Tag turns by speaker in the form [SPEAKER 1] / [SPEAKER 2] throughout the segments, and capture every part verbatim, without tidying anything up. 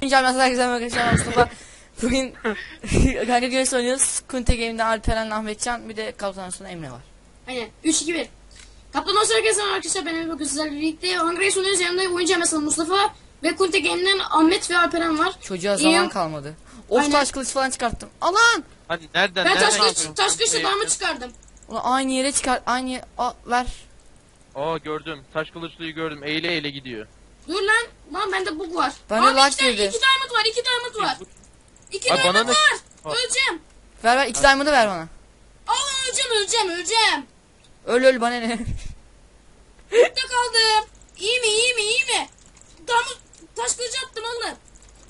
[SPEAKER 1] Canım herkese merhaba Mustafa. Bugün kanka güreş oynuyoruz. Kunte Game'de Alperen, Ahmetcan, bir de kaptan sonra Emre var.
[SPEAKER 2] Aynen. üç iki bir. Kaptan olsa herkese arkadaşlar, ben Emre bugün sizlerle birlikte Hunger Games oynuyoruz. Yanımda oyuncu mesela Mustafa ve Kunte Game'den Ahmet ve Alperen var.
[SPEAKER 1] Çocuğa zaman
[SPEAKER 2] İyi.
[SPEAKER 1] kalmadı. Of,
[SPEAKER 2] Aynen.
[SPEAKER 1] taş kılıç falan çıkarttım. Alan!
[SPEAKER 3] Hani nereden
[SPEAKER 2] Ben
[SPEAKER 3] nereden
[SPEAKER 2] taş kılıç,
[SPEAKER 3] yapıyorsun?
[SPEAKER 2] taş kılıçla
[SPEAKER 3] Şey
[SPEAKER 2] darma
[SPEAKER 3] yapıyorsun?
[SPEAKER 2] çıkardım.
[SPEAKER 1] Ulan aynı yere çıkar. Aynı yere... Aa, ver.
[SPEAKER 3] Aa gördüm. Taş kılıçlıyı gördüm. Eğile eğile gidiyor.
[SPEAKER 2] Dur lan. Lan bende bug var.
[SPEAKER 1] Bende
[SPEAKER 2] Abi
[SPEAKER 1] lag
[SPEAKER 2] iki, tane-
[SPEAKER 1] girdi.
[SPEAKER 2] iki diamond var. iki diamond var. İki
[SPEAKER 3] Abi bana
[SPEAKER 2] diamond
[SPEAKER 3] ne-
[SPEAKER 2] var.
[SPEAKER 3] Aa.
[SPEAKER 2] Öleceğim.
[SPEAKER 1] Ver ver. İki diamond'ı ver bana.
[SPEAKER 2] Aa, öleceğim öleceğim öleceğim.
[SPEAKER 1] Öl öl bana ne?
[SPEAKER 2] Burada kaldım. İyi mi iyi mi iyi mi? Diamond taş kılıcı attım oğlum.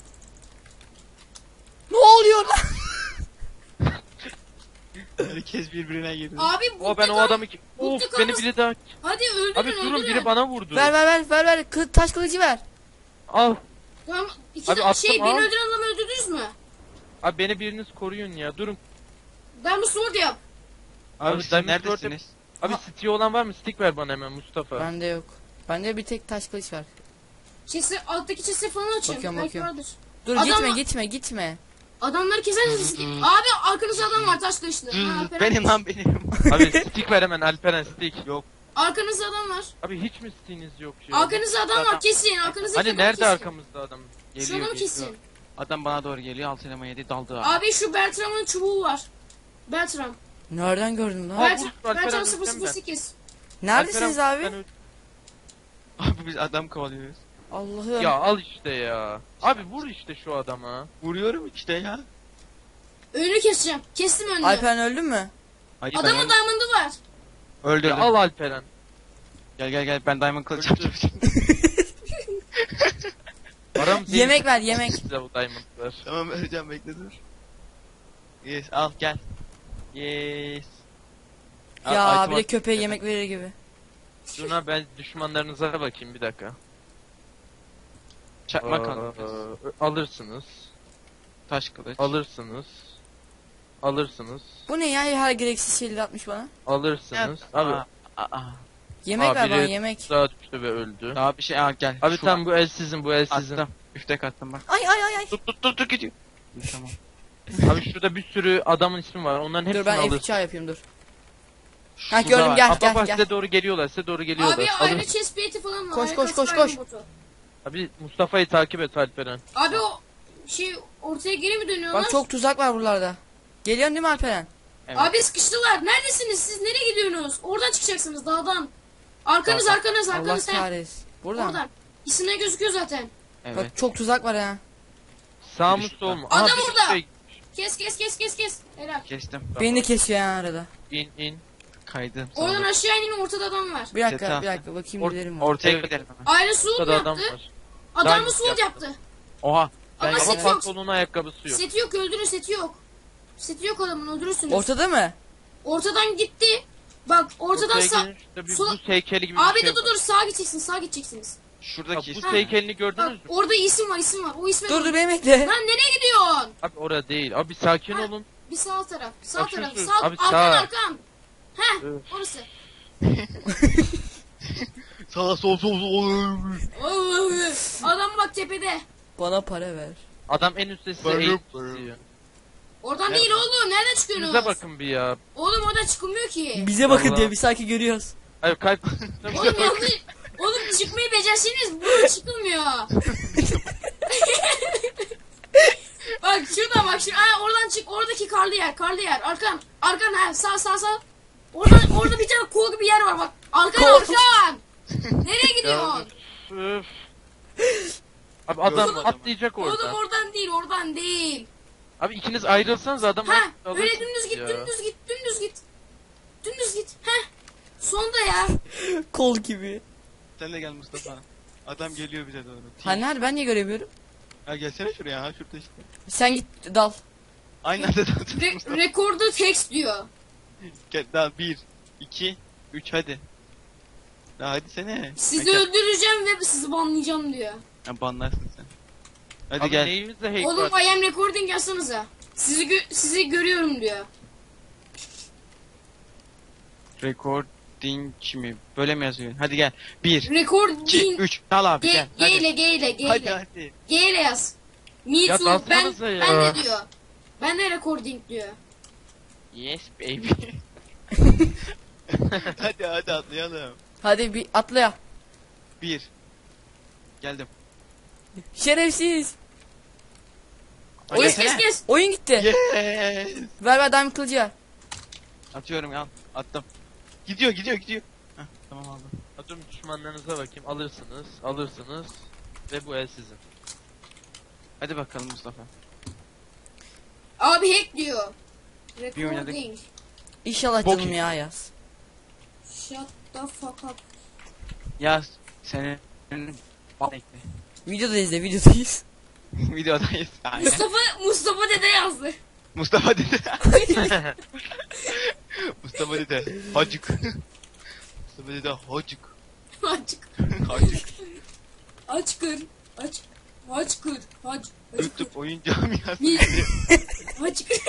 [SPEAKER 1] Ne oluyor lan?
[SPEAKER 4] Herkes birbirine girdi.
[SPEAKER 2] Abi
[SPEAKER 3] O
[SPEAKER 2] burada
[SPEAKER 3] ben o
[SPEAKER 2] kal-
[SPEAKER 3] adamı ki...
[SPEAKER 2] Burada
[SPEAKER 3] Of
[SPEAKER 2] kalmış-
[SPEAKER 3] beni biri daha...
[SPEAKER 2] Hadi öldürün
[SPEAKER 3] Abi
[SPEAKER 2] öldürün.
[SPEAKER 3] durun biri bana vurdu.
[SPEAKER 1] Ver ver ver ver ver. Kı taş kılıcı ver.
[SPEAKER 3] Al.
[SPEAKER 2] Tamam. İki
[SPEAKER 3] Abi
[SPEAKER 2] de-
[SPEAKER 3] attım,
[SPEAKER 2] şey beni
[SPEAKER 3] al.
[SPEAKER 2] öldüren adamı öldürdünüz mü?
[SPEAKER 3] Abi beni biriniz koruyun ya. Durun.
[SPEAKER 2] Ben bu sword yap.
[SPEAKER 4] Abi,
[SPEAKER 3] Abi,
[SPEAKER 4] siz
[SPEAKER 3] Diamond
[SPEAKER 4] neredesiniz?
[SPEAKER 3] Abi
[SPEAKER 1] Ha.
[SPEAKER 3] stick olan var mı? Stick ver bana hemen Mustafa.
[SPEAKER 1] Bende yok. Bende bir tek taş kılıç var.
[SPEAKER 2] Chest'i, alttaki chest'i falan açın.
[SPEAKER 1] Bakıyorum,
[SPEAKER 2] Belki
[SPEAKER 1] bakıyorum.
[SPEAKER 2] vardır.
[SPEAKER 1] Dur
[SPEAKER 2] Adam-
[SPEAKER 1] gitme gitme gitme.
[SPEAKER 2] Adamları kesersiniz. Abi arkanızda adam var taş kılıçlı. Ha, Alperen.
[SPEAKER 4] Benim lan benim.
[SPEAKER 3] Abi stick ver hemen Alperen stick.
[SPEAKER 4] Yok.
[SPEAKER 2] Arkanızda adam var.
[SPEAKER 3] Abi hiç mi stickiniz yok ya?
[SPEAKER 2] Arkanızda adam var kesin. Arkanızda
[SPEAKER 3] Hani nerede arkamızda adam?
[SPEAKER 2] Şu
[SPEAKER 4] Geliyor
[SPEAKER 2] adamı
[SPEAKER 4] geliyor.
[SPEAKER 2] kesin.
[SPEAKER 4] Adam bana doğru geliyor. Alt elema yedi daldı abi.
[SPEAKER 2] Abi şu Bertram'ın çubuğu var. Bertram.
[SPEAKER 1] Nereden gördün lan?
[SPEAKER 3] Abi,
[SPEAKER 2] Bertram,
[SPEAKER 3] vur, Alperen
[SPEAKER 2] Bertram
[SPEAKER 3] öleceğim
[SPEAKER 2] sıfır sıfır sekiz.
[SPEAKER 1] Neredesiniz
[SPEAKER 3] Alperen,
[SPEAKER 1] abi?
[SPEAKER 3] ben öl-
[SPEAKER 4] Abi biz adam kovalıyoruz.
[SPEAKER 1] Allah'ım.
[SPEAKER 3] Ya al işte ya. Abi vur işte şu adama.
[SPEAKER 4] Vuruyorum işte ya.
[SPEAKER 2] Önünü keseceğim. Kestim önünü.
[SPEAKER 1] Alperen öldün mü?
[SPEAKER 4] Hayır ben
[SPEAKER 2] Adamın
[SPEAKER 4] öl-
[SPEAKER 2] diamond'ı var.
[SPEAKER 4] öldürdüm.
[SPEAKER 3] Ya al Alperen.
[SPEAKER 4] Gel gel gel ben diamond kılıç
[SPEAKER 3] Öldü.
[SPEAKER 4] yapacağım.
[SPEAKER 3] Aram değil.
[SPEAKER 1] Yemek ver yemek.
[SPEAKER 3] Size bu diamondlar.
[SPEAKER 4] Tamam vereceğim bekle dur. Yes al gel. Yes. Al,
[SPEAKER 1] Ya
[SPEAKER 4] item
[SPEAKER 1] bir de
[SPEAKER 4] at-
[SPEAKER 1] köpeğe yemek verir gibi.
[SPEAKER 3] Şuna ben düşmanlarınıza bakayım bir dakika.
[SPEAKER 4] Çakmak
[SPEAKER 3] Aa,
[SPEAKER 4] al.
[SPEAKER 3] alırsınız.
[SPEAKER 4] Taş kılıç.
[SPEAKER 3] Alırsınız. Alırsınız.
[SPEAKER 1] Bu ne ya, her gereksiz şeyleri atmış bana.
[SPEAKER 3] Alırsınız.
[SPEAKER 4] Aa,
[SPEAKER 3] Abi
[SPEAKER 4] aa.
[SPEAKER 1] Yemek
[SPEAKER 3] Aa,
[SPEAKER 1] ver bana
[SPEAKER 3] biri-
[SPEAKER 1] yemek.
[SPEAKER 3] daha düştü ve öldü.
[SPEAKER 4] Daha bir şey al gel.
[SPEAKER 3] Abi
[SPEAKER 4] Şu
[SPEAKER 3] tam bu el sizin, bu el sizin.
[SPEAKER 4] attım. Üftek attım bak.
[SPEAKER 1] Ay ay ay ay.
[SPEAKER 4] Dur dur dur dur gidiyor. Tamam.
[SPEAKER 3] Abi şurada bir sürü adamın ismi var. Onların hepsini
[SPEAKER 1] Dur ben F
[SPEAKER 3] alırsın.
[SPEAKER 1] iki yapayım dur. Ha
[SPEAKER 4] Şurada
[SPEAKER 1] gördüm
[SPEAKER 4] var.
[SPEAKER 1] gel
[SPEAKER 3] Abi
[SPEAKER 1] gel
[SPEAKER 3] bak
[SPEAKER 1] gel.
[SPEAKER 3] size doğru geliyorlar, size doğru geliyorlar.
[SPEAKER 2] Abi
[SPEAKER 3] Alın.
[SPEAKER 2] ayrı chest plate'i falan var.
[SPEAKER 1] Koş,
[SPEAKER 2] Ayrı
[SPEAKER 1] koş, koş,
[SPEAKER 2] kasma,
[SPEAKER 1] koş.
[SPEAKER 2] ayrı botu.
[SPEAKER 3] Abi Mustafa'yı takip et Alperen.
[SPEAKER 2] Abi o şey ortaya geri mi dönüyorlar?
[SPEAKER 1] Bak çok tuzak var buralarda. Geliyorsun değil mi Alperen?
[SPEAKER 4] Evet.
[SPEAKER 2] Abi sıkıştılar. Neredesiniz? Siz nereye gidiyorsunuz? Oradan çıkacaksınız dağdan. Arkanız
[SPEAKER 4] Dağdan.
[SPEAKER 2] arkanız
[SPEAKER 1] Allah
[SPEAKER 2] arkanız. He.
[SPEAKER 1] kahretsin. Buradan.
[SPEAKER 2] Oradan. İsimler gözüküyor zaten.
[SPEAKER 4] Evet.
[SPEAKER 1] Bak çok tuzak var ha.
[SPEAKER 3] Sağ mı
[SPEAKER 4] Düştü.
[SPEAKER 3] sol mu?
[SPEAKER 2] Adam
[SPEAKER 3] Aha, bir
[SPEAKER 2] orada.
[SPEAKER 3] şey-
[SPEAKER 2] Kes kes kes kes kes. Helal.
[SPEAKER 4] Kestim.
[SPEAKER 1] Beni de kesiyor ya arada.
[SPEAKER 3] İn in.
[SPEAKER 4] Kaydım.
[SPEAKER 2] Oradan
[SPEAKER 4] sonra.
[SPEAKER 2] aşağı inin, ortada adam var.
[SPEAKER 1] Bir dakika
[SPEAKER 4] Çete
[SPEAKER 1] bir
[SPEAKER 4] attım.
[SPEAKER 1] dakika bakayım
[SPEAKER 3] Or-
[SPEAKER 1] gidelim mi?
[SPEAKER 4] Ortaya
[SPEAKER 3] Evet.
[SPEAKER 4] gidelim hemen.
[SPEAKER 2] Ayrı sword
[SPEAKER 3] Burada adam
[SPEAKER 2] yaptı.
[SPEAKER 3] var.
[SPEAKER 2] Adamı
[SPEAKER 3] Diamond
[SPEAKER 2] sword
[SPEAKER 3] yaptı.
[SPEAKER 2] yaptı.
[SPEAKER 4] Oha.
[SPEAKER 2] Ama
[SPEAKER 4] Ben
[SPEAKER 2] set
[SPEAKER 3] Ama
[SPEAKER 2] yok.
[SPEAKER 3] pantolonun ayakkabısı yok.
[SPEAKER 2] Seti yok, öldürün, seti yok. Seti yok adamın, öldürürsünüz.
[SPEAKER 1] Ortada mı?
[SPEAKER 2] Ortadan gitti. Bak ortadan
[SPEAKER 3] Ortaya
[SPEAKER 2] sağ...
[SPEAKER 3] gelin, şurada bir
[SPEAKER 2] sola-
[SPEAKER 3] buz heykeli gibi
[SPEAKER 2] Abi
[SPEAKER 3] bir şey
[SPEAKER 2] dur dur
[SPEAKER 3] var.
[SPEAKER 2] dur, sağa gideceksiniz, sağa gideceksiniz.
[SPEAKER 4] şuradaki
[SPEAKER 3] Bak,
[SPEAKER 4] işte.
[SPEAKER 3] buz heykelini
[SPEAKER 2] Bak
[SPEAKER 3] gördünüz mü?
[SPEAKER 2] orada isim var, isim var. O isme...
[SPEAKER 1] Dur dur beni bekle.
[SPEAKER 2] Lan nereye gidiyorsun?
[SPEAKER 3] Abi orada değil. Abi sakin
[SPEAKER 2] Ha.
[SPEAKER 3] olun.
[SPEAKER 2] Bir sağ taraf, sağ
[SPEAKER 3] Bak,
[SPEAKER 2] taraf,
[SPEAKER 3] şu-
[SPEAKER 2] sağ...
[SPEAKER 3] abi
[SPEAKER 2] arkan
[SPEAKER 3] sağ.
[SPEAKER 2] arkan. Heh,
[SPEAKER 3] Öf.
[SPEAKER 2] orası.
[SPEAKER 4] Sağa sol sol sol.
[SPEAKER 2] Oy, adam bak tepede.
[SPEAKER 1] Bana para ver.
[SPEAKER 3] Adam en üstte size
[SPEAKER 4] Barım,
[SPEAKER 3] eğit
[SPEAKER 4] barım.
[SPEAKER 3] diyor.
[SPEAKER 2] Oradan
[SPEAKER 3] Evet.
[SPEAKER 2] değil oğlum, nereden çıkıyorsunuz?
[SPEAKER 3] Size bakın bir ya.
[SPEAKER 2] Oğlum oradan çıkılmıyor ki.
[SPEAKER 1] Bize bakın
[SPEAKER 3] Vallahi.
[SPEAKER 1] diyor, bir sanki görüyoruz.
[SPEAKER 3] Hayır kalp.
[SPEAKER 2] Oğlum yanlış. Oğlum çıkmayı becerseniz buradan çıkılmıyor. Bak şuradan bak şimdi. Aa, oradan çık. Oradaki karlı yer. Karlı yer. Arkan. Arkan ha. Sağ sağ sağ. Orada orada bir tane kol gibi yer var bak. Arkan
[SPEAKER 1] Kol.
[SPEAKER 2] arkan. Nereye
[SPEAKER 3] Ya,
[SPEAKER 2] gidiyorsun?
[SPEAKER 3] öf. Abi adam
[SPEAKER 4] Gördüm
[SPEAKER 3] atlayacak
[SPEAKER 2] Oğlum
[SPEAKER 3] orada.
[SPEAKER 2] oradan değil, oradan değil.
[SPEAKER 3] Abi ikiniz ayrılsanız adam
[SPEAKER 2] Ha,
[SPEAKER 3] alırsınız
[SPEAKER 2] öyle dümdüz git,
[SPEAKER 3] ya.
[SPEAKER 2] dümdüz git, dümdüz git. Dümdüz git. Heh. Sonda ya.
[SPEAKER 1] Kol gibi.
[SPEAKER 4] Sen de gel Mustafa. Adam geliyor bize doğru.
[SPEAKER 1] Ha nerede, ben niye göremiyorum?
[SPEAKER 4] Ha gelsene şuraya ha şurada işte.
[SPEAKER 1] Sen git dal.
[SPEAKER 4] Aynı anda da
[SPEAKER 2] Re rekorda text diyor.
[SPEAKER 4] Gel daha bir, iki, üç hadi. Daha hadi sene.
[SPEAKER 2] Sizi
[SPEAKER 4] Ha,
[SPEAKER 2] öldüreceğim ve sizi banlayacağım diyor.
[SPEAKER 4] gel. banlarsın sen. Hadi
[SPEAKER 3] Abi
[SPEAKER 4] gel.
[SPEAKER 3] neyimizde hack
[SPEAKER 2] Oğlum
[SPEAKER 3] var?
[SPEAKER 2] I am recording yazsanıza. Sizi gö sizi görüyorum diyor.
[SPEAKER 4] Recording mi? Böyle mi yazıyor? Hadi gel. Bir, iki,
[SPEAKER 2] Recording
[SPEAKER 4] üç. Al abi
[SPEAKER 2] G,
[SPEAKER 4] gel.
[SPEAKER 2] G
[SPEAKER 4] Hadi.
[SPEAKER 2] ile G ile G
[SPEAKER 4] Hadi
[SPEAKER 2] ile.
[SPEAKER 4] hadi.
[SPEAKER 2] G ile yaz. Me
[SPEAKER 3] Ya
[SPEAKER 2] too. Ben,
[SPEAKER 3] dalsanıza ya.
[SPEAKER 2] ben de diyor. Ben de recording diyor.
[SPEAKER 4] Yes baby. hadi hadi atlayalım.
[SPEAKER 1] Hadi bir atla ya.
[SPEAKER 4] Bir. Geldim.
[SPEAKER 1] Şerefsiz.
[SPEAKER 4] Hadi
[SPEAKER 2] Kes
[SPEAKER 4] gelsene.
[SPEAKER 2] kes kes.
[SPEAKER 1] Oyun gitti.
[SPEAKER 4] Yes.
[SPEAKER 1] Ver ver diamond kılıcı ver.
[SPEAKER 4] Atıyorum ya. Attım. Gidiyor gidiyor gidiyor. Heh, tamam aldım.
[SPEAKER 3] Atıyorum düşmanlarınıza bakayım. Alırsınız. Alırsınız. Ve bu el sizin.
[SPEAKER 4] Hadi bakalım Mustafa.
[SPEAKER 2] Abi hack diyor.
[SPEAKER 4] Bir oynadık.
[SPEAKER 2] Recording.
[SPEAKER 1] İnşallah
[SPEAKER 4] Bok
[SPEAKER 1] canım
[SPEAKER 4] ye.
[SPEAKER 1] ya yaz.
[SPEAKER 2] Shut the fuck up.
[SPEAKER 4] Ya senin bekle.
[SPEAKER 1] Videoda izle videodayız.
[SPEAKER 4] Videodayız. Aynen.
[SPEAKER 2] Mustafa Mustafa dede yazdı.
[SPEAKER 4] Mustafa dede. Mustafa dede. Hacık. Mustafa dede hacık.
[SPEAKER 2] Açık.
[SPEAKER 4] Hacık.
[SPEAKER 2] Aç kır. Aç. Aç kır. Aç. Aç kır.
[SPEAKER 4] YouTube oyun camiası.
[SPEAKER 2] Bir. Aç kır.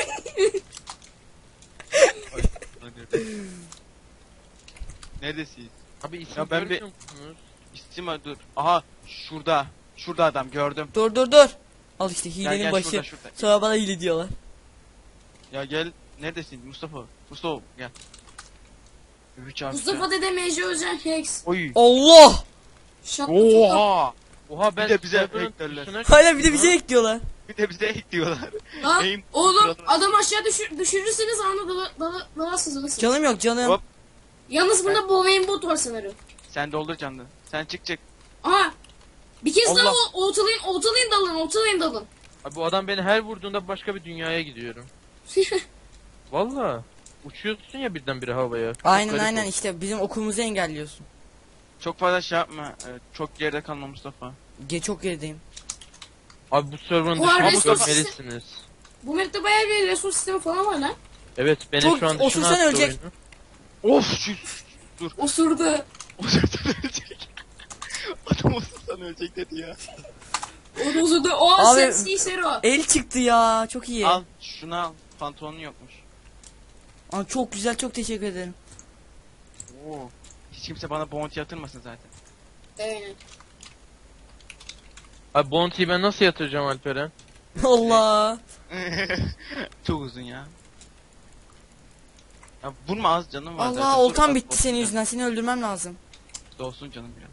[SPEAKER 4] Neredesiniz?
[SPEAKER 3] Abi isim
[SPEAKER 4] Ya ben bir-
[SPEAKER 3] görmüyor musunuz?
[SPEAKER 4] İstim dur. Aha şurada. Şurada adam gördüm.
[SPEAKER 1] Dur dur dur. Al işte
[SPEAKER 4] Gel
[SPEAKER 1] hilenin
[SPEAKER 4] gel
[SPEAKER 1] başı.
[SPEAKER 4] şurada şurada.
[SPEAKER 1] Sonra bana hile diyorlar.
[SPEAKER 4] Ya gel. Neredesin Mustafa? Mustafa gel. Üç artı.
[SPEAKER 2] Mustafa dede Mecri Özen Hex.
[SPEAKER 4] Oy.
[SPEAKER 1] Allah!
[SPEAKER 2] Shut the fuck up.
[SPEAKER 4] Oha.
[SPEAKER 3] Oha ben
[SPEAKER 4] Bir de bize
[SPEAKER 3] server'ın
[SPEAKER 4] hack derler.
[SPEAKER 3] tuşuna
[SPEAKER 1] Hala bir de
[SPEAKER 3] çıktım
[SPEAKER 1] bize
[SPEAKER 3] lan.
[SPEAKER 1] ekliyorlar.
[SPEAKER 4] Bir de bize ekliyorlar.
[SPEAKER 2] Lan
[SPEAKER 4] Aim
[SPEAKER 2] oğlum
[SPEAKER 4] kuralını-
[SPEAKER 2] adam aşağı düşür, düşürürseniz anında dala, dala, dalarsınız alırsınız.
[SPEAKER 1] Canım yok canım.
[SPEAKER 4] Hop.
[SPEAKER 2] Yalnız bunda Bovein bot var sanırım.
[SPEAKER 4] Sen doldur canını. Sen çık çık.
[SPEAKER 2] Aha. Bir kez daha
[SPEAKER 4] Allah.
[SPEAKER 2] o- oltalayın, oltalayın dalın, oltalayın dalın.
[SPEAKER 3] Abi bu adam beni her vurduğunda başka bir dünyaya gidiyorum. Valla. Uçuyorsun ya birdenbire havaya. Çok
[SPEAKER 1] Aynen
[SPEAKER 3] garip
[SPEAKER 1] aynen
[SPEAKER 3] oldu.
[SPEAKER 1] işte bizim okulumuzu engelliyorsun.
[SPEAKER 4] Çok fazla şey yapma. Evet, çok geride kalma Mustafa.
[SPEAKER 1] Ge çok gerideyim.
[SPEAKER 3] Abi bu server'ın
[SPEAKER 2] Bu arada
[SPEAKER 3] dışına
[SPEAKER 2] resource-
[SPEAKER 3] görmelisiniz.
[SPEAKER 2] Bu map'te bayağı bir resource sistemi falan var lan.
[SPEAKER 3] Evet beni
[SPEAKER 1] Çok-
[SPEAKER 3] şu an
[SPEAKER 1] otursan
[SPEAKER 3] dışına attı
[SPEAKER 1] ölecek.
[SPEAKER 3] oyunu.
[SPEAKER 4] Of şu.
[SPEAKER 2] Osurdu.
[SPEAKER 4] Osursan ölecek. Adam osursan ölecek dedi ya.
[SPEAKER 2] O osurdu. O
[SPEAKER 1] Abi-
[SPEAKER 2] sen Cicero.
[SPEAKER 1] El çıktı ya çok iyi.
[SPEAKER 4] Al şunu al. Pantolonun yokmuş.
[SPEAKER 1] Aa, çok güzel çok teşekkür ederim.
[SPEAKER 4] Oo. Hiç kimse bana bounty yatırmasın zaten.
[SPEAKER 2] Aynen.
[SPEAKER 3] Abi Bounty'yi ben nasıl yatıracağım Alperen?
[SPEAKER 1] Allah.
[SPEAKER 4] Çok uzun ya. Ya vurma az canım var zaten.
[SPEAKER 1] Allah
[SPEAKER 4] Dur,
[SPEAKER 1] oltam
[SPEAKER 4] az
[SPEAKER 1] bitti
[SPEAKER 4] olsun
[SPEAKER 1] senin
[SPEAKER 4] ya.
[SPEAKER 1] yüzünden. Seni öldürmem lazım.
[SPEAKER 4] Dolsun canım biraz.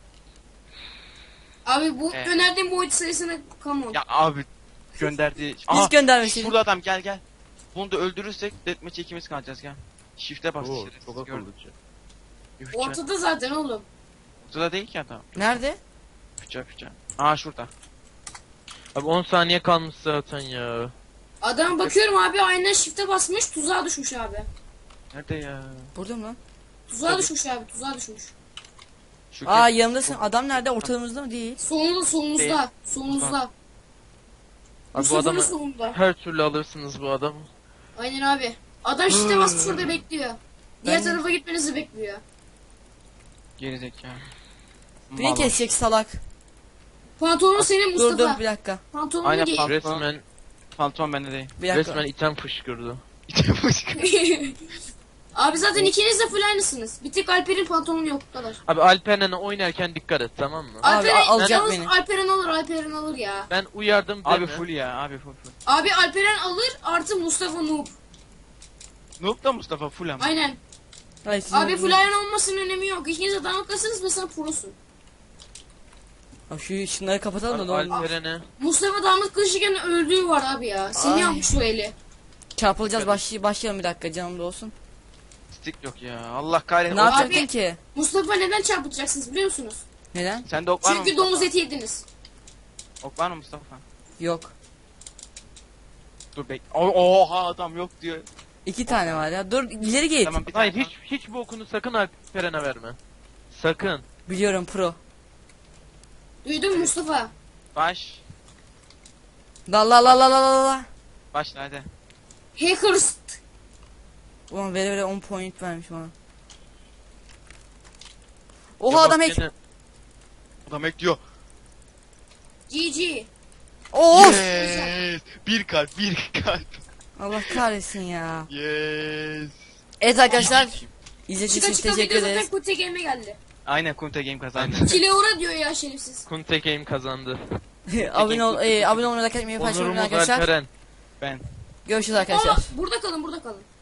[SPEAKER 2] Abi bu
[SPEAKER 4] Evet.
[SPEAKER 2] önerdiğim boyut sayısına come on.
[SPEAKER 4] Ya abi gönderdi.
[SPEAKER 1] Biz göndermeseydin.
[SPEAKER 4] Şurada adam gel gel. Bunu da öldürürsek deathmatch'e ikimiz kalacağız gel. Shift'e bas.
[SPEAKER 3] Oo,
[SPEAKER 4] şerefsiz,
[SPEAKER 3] çok
[SPEAKER 4] gördüm.
[SPEAKER 3] akıllıca.
[SPEAKER 4] Üfçe.
[SPEAKER 2] Ortada zaten oğlum.
[SPEAKER 4] Ortada değil ki adam.
[SPEAKER 1] Nerede?
[SPEAKER 4] Üfçe üfçe. Aa şurada.
[SPEAKER 3] Abi on saniye kalmış zaten ya.
[SPEAKER 2] Adam bakıyorum abi aynen shift'e basmış tuzağa düşmüş abi.
[SPEAKER 4] Nerede ya?
[SPEAKER 1] Burada mı lan?
[SPEAKER 2] Tuzağa
[SPEAKER 4] Tabii.
[SPEAKER 2] düşmüş abi tuzağa düşmüş.
[SPEAKER 4] Şu
[SPEAKER 1] Aa
[SPEAKER 4] gel-
[SPEAKER 1] yanımdasın. Adam nerede? Ortalığımızda mı değil?
[SPEAKER 2] Solunda solumuzda.
[SPEAKER 4] Değil.
[SPEAKER 2] Solumuzda.
[SPEAKER 3] Abi bu
[SPEAKER 2] Mustafa'nın
[SPEAKER 3] adamı
[SPEAKER 2] solunda.
[SPEAKER 3] her türlü alırsınız bu adamı.
[SPEAKER 2] Aynen abi. Adam shift'e basmış orada bekliyor. Diğer
[SPEAKER 1] Ben-
[SPEAKER 2] tarafa gitmenizi bekliyor.
[SPEAKER 4] Gerizekalı.
[SPEAKER 1] Beni
[SPEAKER 4] Mal.
[SPEAKER 1] kesecek salak.
[SPEAKER 2] Pantolonun senin
[SPEAKER 1] Dur
[SPEAKER 2] Mustafa.
[SPEAKER 1] dur bir dakika.
[SPEAKER 2] Pantolonunu
[SPEAKER 4] Aynen,
[SPEAKER 2] giy.
[SPEAKER 4] pantolon.
[SPEAKER 3] Resmen
[SPEAKER 4] Pantolon bende değil.
[SPEAKER 1] Bir dakika.
[SPEAKER 3] resmen item fışkırdı.
[SPEAKER 2] Abi zaten ikiniz de full aynısınız. Bir tek Alper'in pantolonu yok bu kadar.
[SPEAKER 3] Abi Alperen'e oynarken dikkat et tamam mı?
[SPEAKER 1] Abi,
[SPEAKER 2] Alperen,
[SPEAKER 1] al- alacak
[SPEAKER 2] yalnız
[SPEAKER 1] beni.
[SPEAKER 2] Alperen alır, Alperen alır ya.
[SPEAKER 3] Ben uyardım deme.
[SPEAKER 4] Abi full ya abi full full.
[SPEAKER 2] Abi Alperen alır artı Mustafa noob.
[SPEAKER 4] Noob da Mustafa full ama.
[SPEAKER 2] Aynen.
[SPEAKER 1] Hayır, sizin
[SPEAKER 2] Abi full
[SPEAKER 1] öldürmem-
[SPEAKER 2] iron olmasının önemi yok. İkiniz de damaklasınız mesela prosun.
[SPEAKER 1] Abi şu şunları kapatalım da
[SPEAKER 3] Abi
[SPEAKER 1] ne olur.
[SPEAKER 3] Alperen'e
[SPEAKER 2] Mustafa damat kılıçken öldüğü var abi ya. Seni
[SPEAKER 1] Ay.
[SPEAKER 2] yapmış o eli.
[SPEAKER 1] Çarpılacağız başlay başlayalım bir dakika canım da olsun.
[SPEAKER 4] Stick yok ya. Allah kahretsin.
[SPEAKER 1] Ne
[SPEAKER 4] Ok-
[SPEAKER 1] yapacaktın
[SPEAKER 2] Abi-
[SPEAKER 1] ki?
[SPEAKER 2] Mustafa neden çarpıtacaksınız biliyor musunuz?
[SPEAKER 1] Neden?
[SPEAKER 4] Sende ok var mı
[SPEAKER 2] Çünkü
[SPEAKER 4] Mustafa?
[SPEAKER 2] domuz eti yediniz.
[SPEAKER 4] Ok var mı Mustafa?
[SPEAKER 1] Yok.
[SPEAKER 4] Dur bek. O- Oha adam yok diyor.
[SPEAKER 1] İki tane var ya. Dur ileri git.
[SPEAKER 4] Tamam bir
[SPEAKER 3] Hayır
[SPEAKER 4] tane
[SPEAKER 3] hiç hiç bu okunu sakın Alperen'e verme. Sakın.
[SPEAKER 1] Biliyorum pro.
[SPEAKER 2] Duydun mu Mustafa?
[SPEAKER 4] Baş.
[SPEAKER 1] La la la la la la la.
[SPEAKER 4] Başla hadi.
[SPEAKER 2] Hackers.
[SPEAKER 1] Ulan vere vere on point vermiş bana. Oha
[SPEAKER 3] Ya bak
[SPEAKER 1] adam hack.
[SPEAKER 3] gene-
[SPEAKER 4] Adam ekliyor.
[SPEAKER 2] G G.
[SPEAKER 1] Of.
[SPEAKER 4] Yes. Bir kalp bir kalp.
[SPEAKER 1] Allah kahretsin ya.
[SPEAKER 4] Yes.
[SPEAKER 1] Evet arkadaşlar. İzlediğiniz
[SPEAKER 2] Çıka
[SPEAKER 1] için
[SPEAKER 2] çıka
[SPEAKER 1] teşekkür
[SPEAKER 2] video zaten
[SPEAKER 1] ederiz.
[SPEAKER 2] Kute Game'e geldi.
[SPEAKER 4] Aynen Kunta Game kazandı.
[SPEAKER 2] Kileura diyor ya şerefsiz.
[SPEAKER 3] Kunte Game kazandı.
[SPEAKER 1] abone ol, e, abone olmayı, like etmeyi, paylaşmayı
[SPEAKER 3] Onurumuz
[SPEAKER 1] unutmayın arkadaşlar.
[SPEAKER 3] Alperen.
[SPEAKER 4] Ben.
[SPEAKER 1] Görüşürüz arkadaşlar.
[SPEAKER 2] Aa, burada kalın burada kalın.